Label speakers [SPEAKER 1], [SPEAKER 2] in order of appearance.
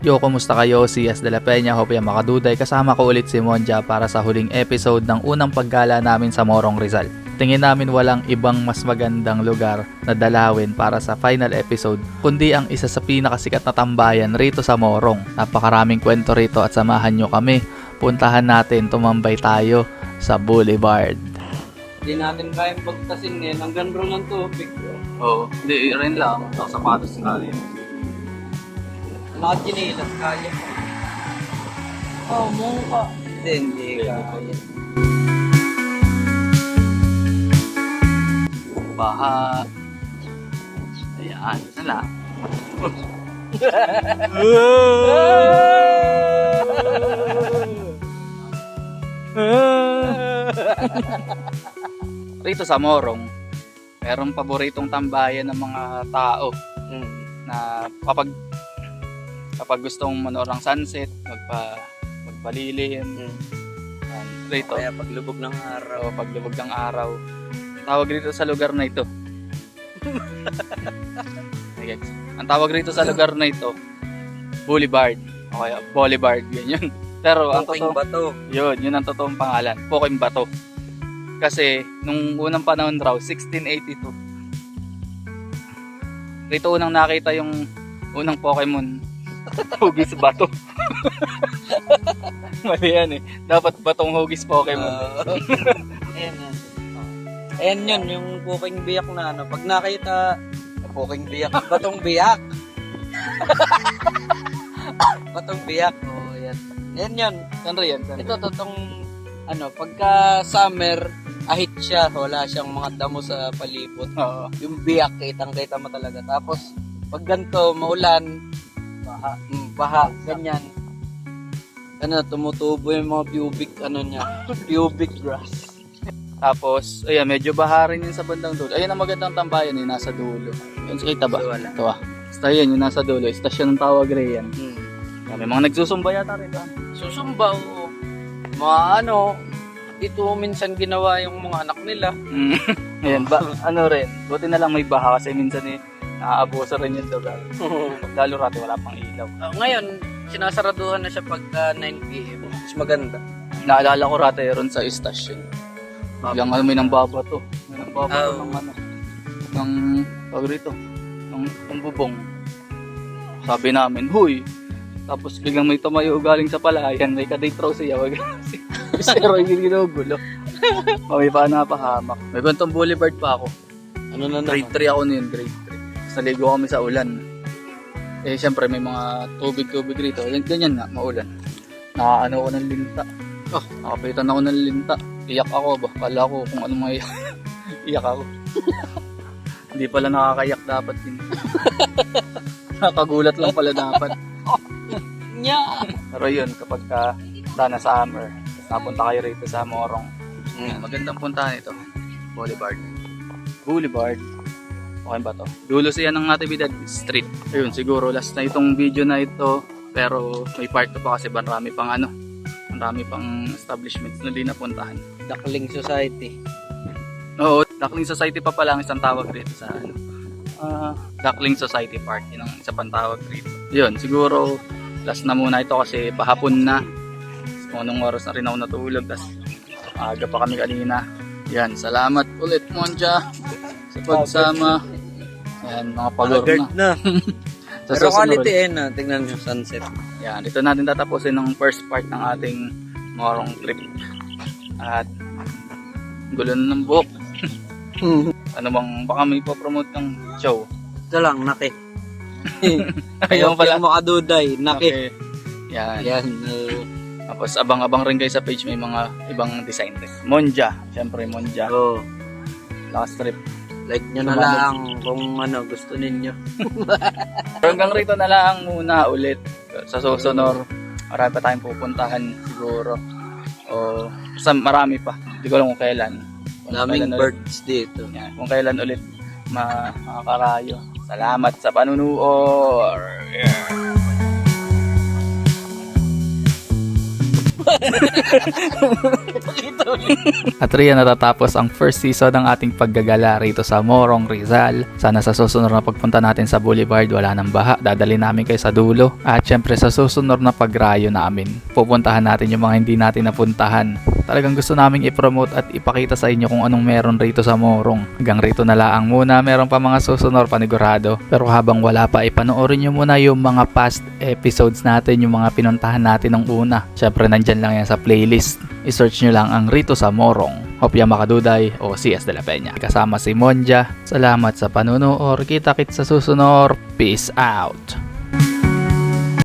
[SPEAKER 1] Yo, kumusta kayo? Si As de la Peña, Hope ya makaduday. Kasama ko ulit si Monja para sa huling episode ng unang paggala namin sa Morong Rizal. Tingin namin walang ibang mas magandang lugar na dalawin para sa final episode, kundi ang isa sa pinakasikat na tambayan rito sa Morong. Napakaraming kwento rito at samahan nyo kami. Puntahan natin, tumambay tayo sa Boulevard.
[SPEAKER 2] Hindi natin kayang pagtasin ngayon. Hanggang ron ng tubig.
[SPEAKER 1] Oo, hindi rin lang. Sapatos nga rin.
[SPEAKER 2] Mga chinilas kaya. Mungka. Hindi kaya.
[SPEAKER 1] Baha. Ayan, sana. Rito sa Morong, merong paboritong tambayan ng mga tao na kapag gustong manood ng sunset, magpalilim. Yan, rito.
[SPEAKER 2] Kaya paglubog ng araw.
[SPEAKER 1] O paglubog ng araw. Tawag rito sa lugar na ito. Okay. Ang tawag rito sa lugar na ito, Boulevard. Okay, Boulevard, yun. Pero ang
[SPEAKER 2] Puking
[SPEAKER 1] totoo,
[SPEAKER 2] bato.
[SPEAKER 1] yun ang totoong pangalan, Puking Bato. Kasi nung unang panahon raw, 1682. Rito unang nakita yung unang Pokemon, Hugis Bato. Mali yan eh. Dapat Batong Hugis Pokemon.
[SPEAKER 2] Ayan yan. Ayan yun, yung puking biyak na ano. Pag nakita, puking biyak, batong biyak. Batong biyak. Oh, yan. Ayan yun.
[SPEAKER 1] Saan rin yan?
[SPEAKER 2] Ito totoong ano, pagka summer, ahit siya, wala siyang mga damo sa palibot.
[SPEAKER 1] Oo.
[SPEAKER 2] Yung biyak, kitang-kita mo talaga. Tapos, pag ganito, maulan, baha, ganyan. Ano, tumutubo yung mga pubic, ano niya, pubic grass.
[SPEAKER 1] Tapos, ayan, medyo baharin yun sa bandang dulo. Ayan ang magandang tambayan yun, nasa dulo. Yun, kita ba?
[SPEAKER 2] Wala.
[SPEAKER 1] Ito ah. Basta yan, yung nasa dulo. Istasyon ng tawag rin yan. May mga nagsusumba yata rin ba?
[SPEAKER 2] Susumba, oo. Mga ano, ito minsan ginawa yung mga anak nila.
[SPEAKER 1] Ayan, ano rin, buti na lang may baha kasi minsan eh, naaabuso rin yung lugar. Lalo rati wala pang ilaw.
[SPEAKER 2] Ngayon, sinasaraduhan na siya pagka 9 p.m. Mas maganda.
[SPEAKER 1] Naalala ko rati ron sa istasyon. Biglang may nang babato. May nang babato ng ano. Ng, tawag rito, ng bubong. Sabi namin, huy! Tapos biglang may tumayo galing sa palayan, may ka-date raw siya. Pero yung ginugulo. May pa napahamak. May bantong Boulevard pa ako.
[SPEAKER 2] Ano na
[SPEAKER 1] Grade 3 ako noon, grade 3. Tapos naligo kami sa ulan. Eh, syempre may mga tubig-tubig rito. Ganyan nga, maulan. Nakaano ko ng linta. Nakapitan ako ng linta. Iyak ako ba? Kala ko kung ano mga iyak ako. Hindi pala nakakayak dapat din. Nakagulat lang pala dapat. Pero yun, kapag sana summer, napunta kayo rito sa Morong. Magandang puntahan ito. Boulevard. Okay ba to? Dulo siya ng Natividad Street. Ayun, siguro last na itong video na ito. Pero may part 2 pa kasi marami pang marami pang establishments na di napuntahan.
[SPEAKER 2] Duckling Society.
[SPEAKER 1] Oo, Duckling Society pa pala ang isang tawag dito sa Duckling Society Park. Yun ang isa pang tawag dito. Yun, siguro last na muna ito kasi pahapon na. Kung anong oras na rin ako natulog. Tapos aga pa kami kanina. Yan, salamat ulit Monja sa pagsama. Yan, mga pagor na. Sa
[SPEAKER 2] Pero
[SPEAKER 1] susunod.
[SPEAKER 2] quality na. Tingnan yung sunset.
[SPEAKER 1] Yan, dito natin tatapusin ng first part ng ating Morong trip. At gulo na ng buhok. Ano bang, baka may ipopromote ng show?
[SPEAKER 2] Ito lang, naki.
[SPEAKER 1] Ayaw pala.
[SPEAKER 2] Ayaw mo kaduday, naki.
[SPEAKER 1] Okay. Yan.
[SPEAKER 2] Yan.
[SPEAKER 1] Tapos abang-abang rin kayo sa page, may mga ibang design rin. Monja, syempre Monja.
[SPEAKER 2] Oh,
[SPEAKER 1] Last trip.
[SPEAKER 2] like nyo na lang kung ano gusto ninyo.
[SPEAKER 1] Pero hanggang rito na lang muna ulit. Sa susunod, marami pa tayong pupuntahan siguro. O basta marami pa. Hindi ko alam kung kailan.
[SPEAKER 2] Daming birds dito.
[SPEAKER 1] Yan, kung kailan ulit makakarayo. Salamat sa panunood.
[SPEAKER 2] Ito
[SPEAKER 1] At riyan natatapos ang first season ng ating paggagala rito sa Morong, Rizal. Sana sa susunod na pagpunta natin sa Boulevard wala nang baha, dadali namin kayo sa dulo. At syempre sa susunod na pagrayo namin, pupuntahan natin yung mga hindi natin napuntahan. Talagang gusto naming i-promote at ipakita sa inyo kung anong meron rito sa Morong. Hanggang rito na laang muna, meron pa mga susunod panigurado. Pero habang wala pa, ipanoorin nyo muna yung mga past episodes natin, yung mga pinuntahan natin ng una. Syempre nandyan lang yan sa playlist. I-search nyo lang ang Rito sa Morong, Hopia Makaduday o CS de la Peña. Kasama si Monja. Salamat sa panunood. Kita-kits sa susunod. Peace out.